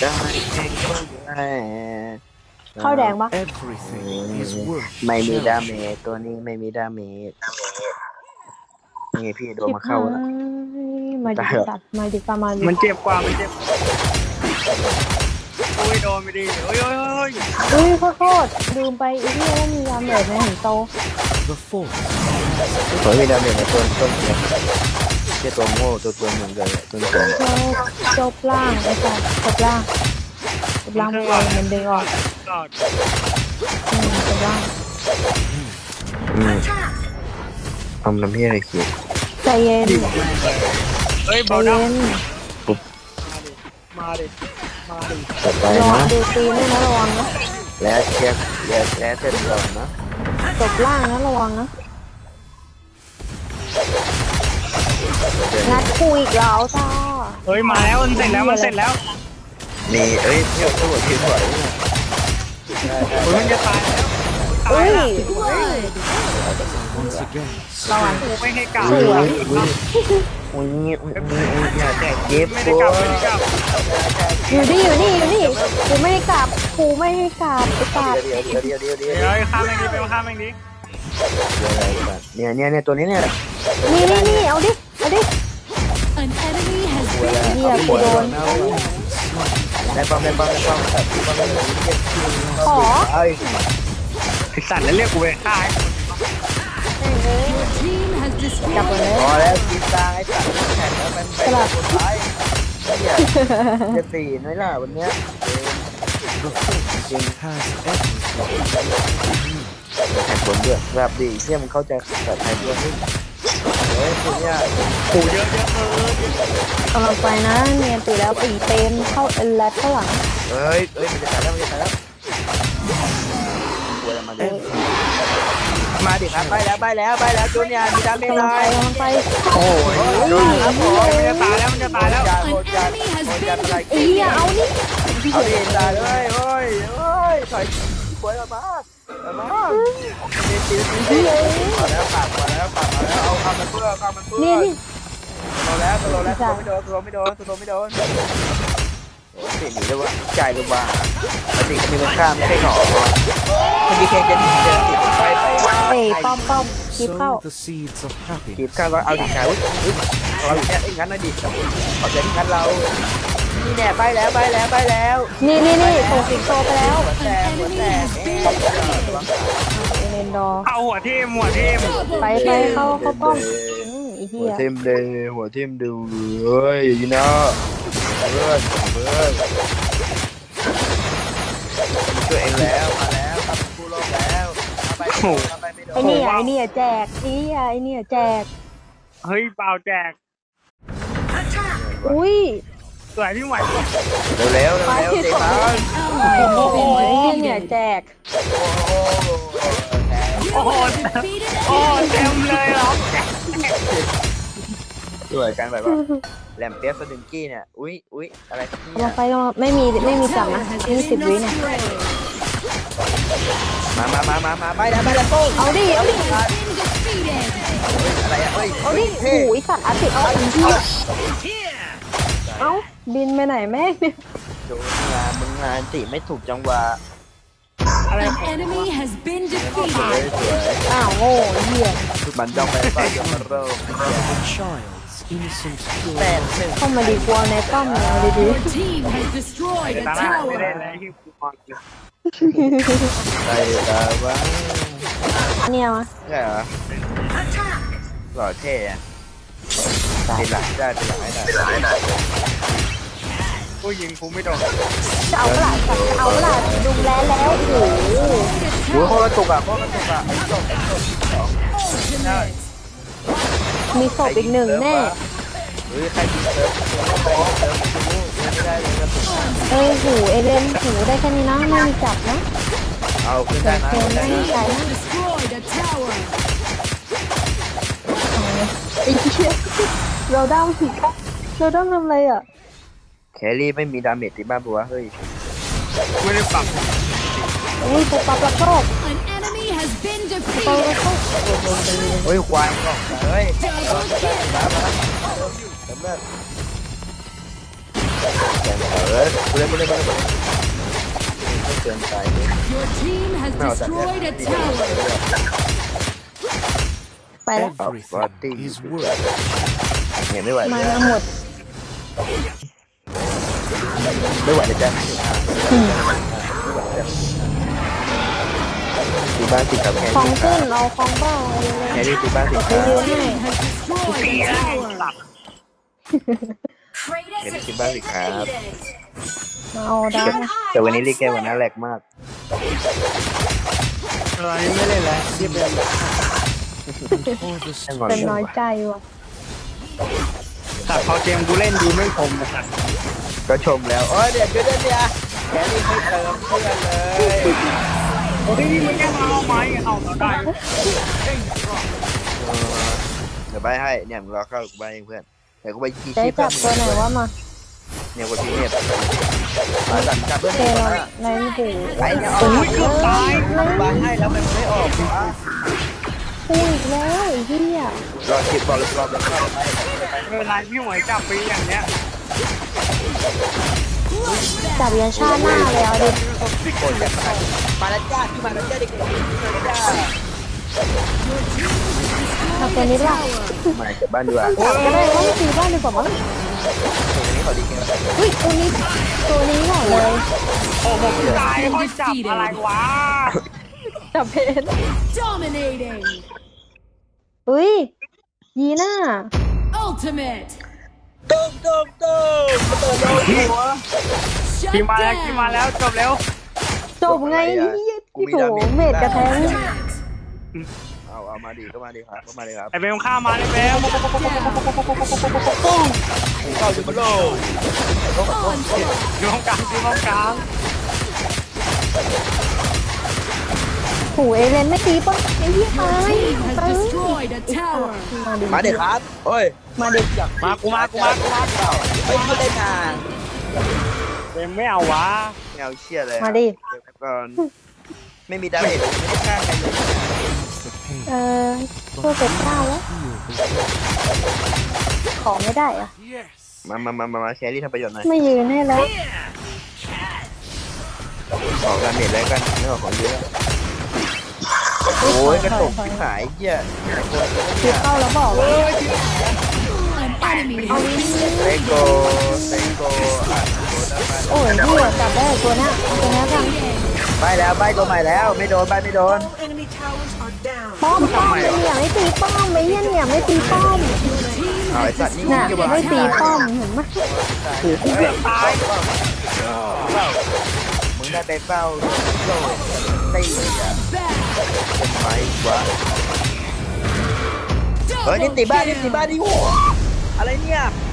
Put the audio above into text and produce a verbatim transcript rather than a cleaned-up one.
ได้ได้เข้าแดงปะไม่มีดาเมจตัวนี้ไม่มีดาเมจนี่พี่โดนมาเข้าแล้วมาดิสัตว์มาดิปามาดิมันเจ็บกว่ามันเจ็บโอ้ยโดนไปดิโอ้ยโอ้ยโอ้ยอุ้ยขอโทษลืมไปอีที่ว่ามียามเหลือในหินโตผมมีดาเมจในตัวต้นเนี่ยแค่ตัวโง่ตัวตัวหนึ่งเลยตัวตัวจบจบล่างไอ้สัตว์จบล่างจบล่างมันเลยมันเด้งออกหลอดอืมจบล่างอืมทำน้ำพี่อะไรคิดใจเย็นเฮ้ยใจเบาดัเย็งนมาดิมาดิต่อไประวังนะดูตีนด้วยนะระวังนะแล้วเช็คแล้วแล้วเสร็จแล้วนะจบล่างนะระวังนะนัดคุยอีกแล้วจ้าเฮ้ยมาแล้วมันเสร็จแล้วมันเสร็จแล้วนี่เอ้ยเที่ยวทั้งหมดที่ไหวเฮ้ยมันจะตายแล้วอุ้ยเรากูไม่ให้กลับอุ้ยอุ้ยอุ้ยอุ้ยอุ้ยอย่าแตกเจ็บไม่ได้กลับไม่ได้กลับอยู่นี่อยู่นี่อยู่นี่กูไม่ให้กลับกูไม่ให้กลับไอ้สัตว์เดี๋ยวเดี๋ยวเดี๋ยวเดี๋ยวเดี๋ยวเดี๋ยวข้ามแม่งดิไปข้ามแม่งดิเนี่ยเนี่ยเนี่ยตัวนี้เนี่ยนี่นี่นี่เอาดิเอาดิ An enemy has เว been ลาเหี้ยกูโดนได้ป้อมได้ป้อมได้ป้อมแต่ที่ป้อมได้ขอไอ้ไอสัตว์แล้วเรียกกูไปฆ่า your team has กลับ destroyed มาเลยพอแล้วกินตาไอ้สัตว์แข่งแล้วมันไปคนร้ายเนี่ยจะตีน้อยล่ะวันเนี้ยจริงแข่งบนเดือดแบบดีเที่ยมันเข้าใจแบบไทยด้วยเฮ้ยคุณเนี่ยกูเยอะเยอะเออกำลังไปนะเนียนตีแล้วตีเต็มเข้าเอลแลดข้างหลังเฮ้ยเฮ้ยมันจะตายแล้วมันจะตายแล้วกลัวอะไรมาดิมาดิครับไปแล้วไปแล้วไปแล้วจูเนียมีดาเมจกำเลลังไปยกำลังไปโอ้ยโอ้ยครับผมมันจะตายแล้วมันจะตายแล้วโหดจัดโหดจัดโหดจัดอะไรไอ้เหี้ยเอานี่เอาดิตายเลยเฮ้ยเฮ้ยถอยกลัวมาบ้ามาตีตีตีมาแล้วปากมาแล้วปากมาแล้วเอาข้ามันเพื่อข้ามันเพื่อนี่นี่โดนแล้วโดนแล้วไม่โดนโดนไม่โดนโดนไม่โดนโอ้ตีหนีเลยว่าใจเลยว่าปกติก็มีคนข้ามไม่ใช่หรอมันมีแค่จะหนีเดินติดไปไปเอ้ยป้อมป้อมคลิปเข้ากีบข้าวก็เอาดิชายอุ้ยเราอย่างเงี้ยงั้นนะดิเอาใจที่งั้นเรานี่แน่ไปแล้วไปแล้วไปแล้วนี่นี่นี่ส่งสิงโตไปแล้วหัวแตกหัวแตกเอ๊ะเอเลนดอร์เอาหัวทิ่มหัวทิ่มไปไปเข้าเข้าป้อมอืมไอ้หัเหี้วย ทิ่มเลยหัวทิ่มดูเฮ้ยยูน่าเพื่อนเพื่อนช่วยเองแล้วมาแล้วทำกู้โลกแล้วไปไปไม่โดไอ้นนี่ไอ้นี่แจกไอ้นี่ไอ้นี่แจกเฮ้ยเปล่าแจกอุ้ยสวยที่ไหวเร็วเร็วเร็วเตะบอล ally โอ้โห has ไอ้ been เนี่ย defeated. แจกโอ้โหโอ้โห Defeated โอ้ an เต็มเลยเหรอช่วยกันแบบว่าแหลมเปียกสดึงกี้เนี่ยอุ้ยอุ้ยอะไรครับกำเนี่ลัยงไปกำลังไม่มีไม่มีจับ tower นะ has ยี่สิบ been วิเนี่ย destroyed. มามามามามาไปแล้วไปแล้วโป้งเอาดิเอาดิ Been defeated. อะไรอ่ะเฮ้ยเอาดิโอ้ยสัตว์อาติเอาอันเหี้ยเอ้าบินไปไหนแม่เนี่ยโดนงานมึงงานติไม่ถูกจังหวะอะไร An enemy has been สวย defeated. สวยอ้าวโง่ไอ้เหี้ยมันจ้องไปบ้านยมโรคแปดหนึ่งเข้ามาดีกว่าในป้อมเนี่ยเอาดี Your team has destroyed ตา a หน้าไม่ได้ tower. เลยที่กูมองอยู่ใส่ตาบ้าๆเนี่ยมาใช่เหรอหล่อเท่อะเป็นหลักได้เป็นหลักให้ได้กูยิงกูไม่โดนจะเอาเปล่าสัตว์จะเอาเปล่าดุมแล้วแล้วโอ้โหโอ้โหกระตุกอ่ะโคตรกระตุกอ่ะไอ้ตกไอ้ตกสองใช่มีศพอีกหนึ่งแน่เฮ้ยใครยิงเซิร์ฟเซิร์ฟเซิร์ฟไม่ได้เลยกระตุกเอ้ยหูเอเลนหูได้แค่นี้นะไม่มีจับนะเอาขึ้นได้นะเกมได้ไม่นะมีใจนะ Destroyed a tower. ไอ้เหี้ยเราด้ามผิดเราด้ามทำอะไรอ่ะแครี่ไม่มีดาเมจติดบ้านปัวเฮ้ยไม่ได้ปรับอุ้ยปุ๊บปั๊บแล้วโชค An enemy has been เปิด defeated. โชคเฮ้ยควายก็เฮ้ย Double kill. มามาเติมเลือดเแกงเออกูเล่นกูเล่นกูเล่นไม่เกินไป Your team has ไม่เอาแต่เนี่ย destroyed a tower. ไปแล้วเอาบอดี้เห็นไม่ไหวมาแล้วหมดไม่ไหวเลยจ้ะตีบ้านติดกับแค่คลองนี้ขึ้นเอาคลองเบ้าเอาเลยแค่นี้ตีบ้านติดไปกับยืนให้ Team has destroyed a tower. แค่นี้ตีบ้านติดครับมาเอาดาร์กนะแต่วันนี้รีแกวันนั้นแหลกมากอะไรไม่เล่นแล้วรีบเล่นแล้วเป็นน้อยใจว่ะแต่พอเกมกูเล่นดีไม่คมนะก็ชมแล้วโอ้ยเดี๋ยวเดี๋ยวเดี๋ยวแค่นี้ไม่เติมเพื่อนเลยโอ้ยนี่มันแค่มาเอาไม้เอาเราได้เดี๋ยวใบให้เนี่ยมึงรอเข้ากูใบเองเพื่อนแต่กูไปชี้ได้ชี้เพื่จัอนบตัวไหนว่ามาเนี่ยกูชี้เนี่ยมาสั่งจับเพื่อนเจมึงเรามาในหูไอ้เนี่ยโอ้เอายเกือบตายใบให้แล้วมันไม่ออกวะพูดอีกแล้วไอ้เหี้ยรอคิดบอลรอบแล้วเข้าไปไม่เป็นไรพี่หมวยจับปีอย่างเนี้ยจับยันชาติหน้าเลยเอาดิโอ้ยจะตายมาแล้วจ้าพี่มาแล้วจ้าเด็กๆมาแล้วจ้าทำตัวนี้ด้วยมาจากบ้านดีกว่าจับก็ได้ว่าตีบ้านดีกว่ามั้งตรงนี้เขาดีแค่ไหนเฮ้ยตัวนี้ตัวนี้ก่อนเลยโอ้โหตายเขาจับอะไรวะจับเพน Dominating. เฮ้ยยีน่า Ultimate. ตุ้มตุ้มตุ้มเปิดโลกหัว Shut ทีมาแล้วทีมา down. แล้วจบเร็วจบไงที่ที่โถเมดกระแทงเอาเอามาดีก็มาดีครับก็มาดีครับไอเบลข้ามาเลยเบลเข้าอยู่บนโลก Onslaught. อยู่ห้องกลางที่ห้องกลางโหเอเลนไม่ตีป่ะไอ้เหี้ยตาย Team has ตาย destroyed a tower. มาดิมาเด็กครับโอ้ยมาดิมากูมากูมากูมาไม่ไม่ได้นานเบลไม่เอาวะไม่เอาเชี่ยเลยมาดิเดี๋ยวก่อนไม่มีดาเมจไม่ได้ฆ่าใครเลยเออตัวเป็ดข้าวแล้วของไม่ได้อะมามามามามาแชร์รี่ทำประโยชน์หน่อยไม่ยืนให้แล้วออกดาเมจแล้วกันไม่ออกของเยอะโอ้ยกระตุกที่หายเหี้ยคิดเข้าแล้วบอกว่า An enemy has been เซโกเซโกอ่ะโกได้โอ้ยเหี้ยจับได้ตัวเนี้ยเอาตัวเนี้ยกันไปแล้วใบตัวใหม่แล้วไม่โดนใบไม่โดนป้อมป้อมไอ้เนี่ยไม่ตีป้อมไอ้เหี้ยเนี่ยไม่ตีป้อมเอาไอ้สัตว์นี่น่ะอยู่บ้านไม่ตีป้อมเห็นไหมถือเกือบตายมึงได้ไปเฝ้าโลตีอ่ะ back. เป็นไม้วะเฮ้ยนี่ตีบ้านนี่ตีบ้านนี่โหอะไรเนี่ย